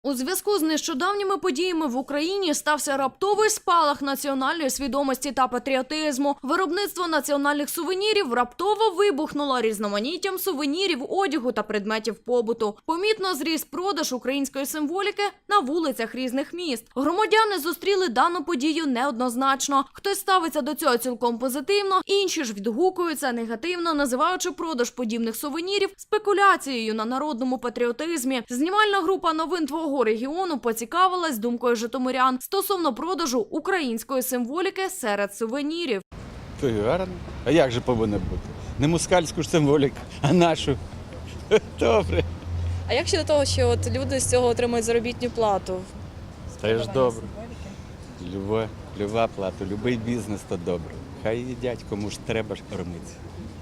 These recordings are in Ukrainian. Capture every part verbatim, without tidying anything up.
У зв'язку з нещодавніми подіями в Україні стався раптовий спалах національної свідомості та патріотизму. Виробництво національних сувенірів раптово вибухнуло різноманіттям сувенірів, одягу та предметів побуту. Помітно зріс продаж української символіки на вулицях різних міст. Громадяни зустріли дану подію неоднозначно. Хтось ставиться до цього цілком позитивно, інші ж відгукуються негативно, називаючи продаж подібних сувенірів спекуляцією на народному патріотизмі. Знімальна група новин «Твого регіону» поцікавилась думкою житомирян стосовно продажу української символіки серед сувенірів. Це гарно. А як же повинно бути? Не москальську ж символіку, а нашу. Добре. А як щодо того, що от люди з цього отримують заробітну плату? Теж добре. Люба, люба плата, любий бізнес – то добре. Хай їдять, кому ж треба ж кормитися.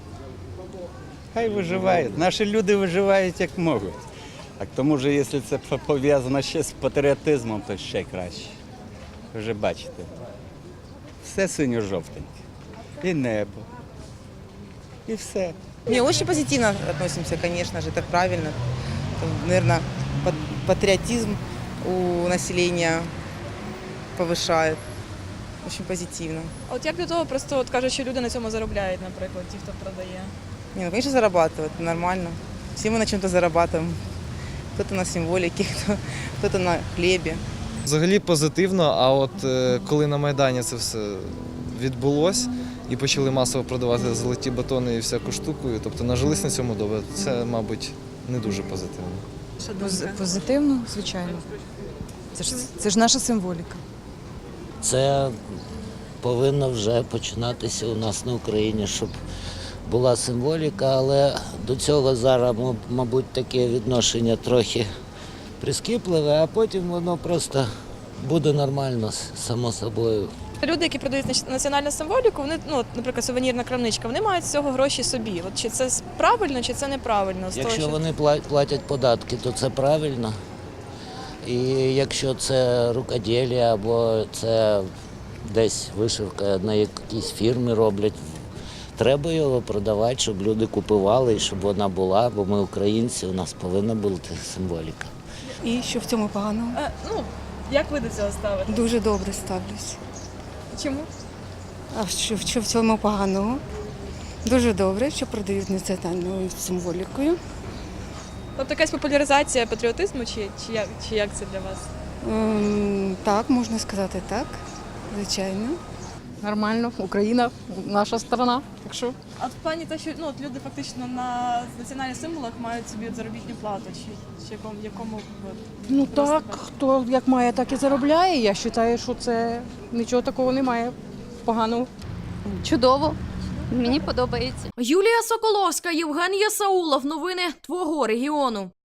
Хай виживають. Наші люди виживають як можуть. А к тому ж, якщо це пов'язано ще з патріотизмом, то ще краще. Ви вже бачите, все синьо-жовтеньке. І небо, і все. Не, очень позитивно относимся, конечно же, это правильно. Наверное, патриотизм у населения повышает. Очень позитивно. А от як до того, просто от кажуть, що люди на цьому заробляють, наприклад, ті, хто продає? Не, ну, конечно, зарабатывают, нормально. Все мы на чем-то зарабатываем. Кто-то на символике, кто-то на хлібі. Взагалі позитивно, а от е, коли на Майдані це все відбулось і почали масово продавати золоті батони і всяку штуку, тобто нажились на цьому добре, це, мабуть, не дуже позитивно. Поз- Позитивно, звичайно. Це ж, це ж наша символіка. Це повинно вже починатися у нас на Україні, щоб була символіка, але до цього зараз, мабуть, таке відношення трохи прискіпливе, а потім воно просто буде нормально, само собою. Люди, які продають національну символіку, вони, ну, от, наприклад, сувенірна крамничка, вони мають з цього гроші собі. От чи це правильно, чи це неправильно? З того, Якщо що- вони пла- платять податки, то це правильно. І якщо це рукоділля або це десь вишивка на якійсь фірмі роблять, треба його продавати, щоб люди купували і щоб вона була, бо ми українці, у нас повинна бути символіка. І що в цьому поганого? Е, ну, як ви до цього ставите? Дуже добре ставлюсь. Чому? А що, що в цьому поганого? Дуже добре, що продають національною символікою. Тобто якась популяризація патріотизму, чи, чи, як, чи як це для вас? Ем, так, можна сказати так, звичайно. Нормально, Україна, наша страна. Так що А в плані те, що ну, от люди фактично на національних символах мають собі от заробітну плату, чи, чи якому, якому от, ну просто так, хто як має, так і заробляє. Я вважаю, що це нічого такого немає поганого. Чудово. Мені подобається. Юлія Соколовська, Євген Ясаулов. Новини «Твого регіону».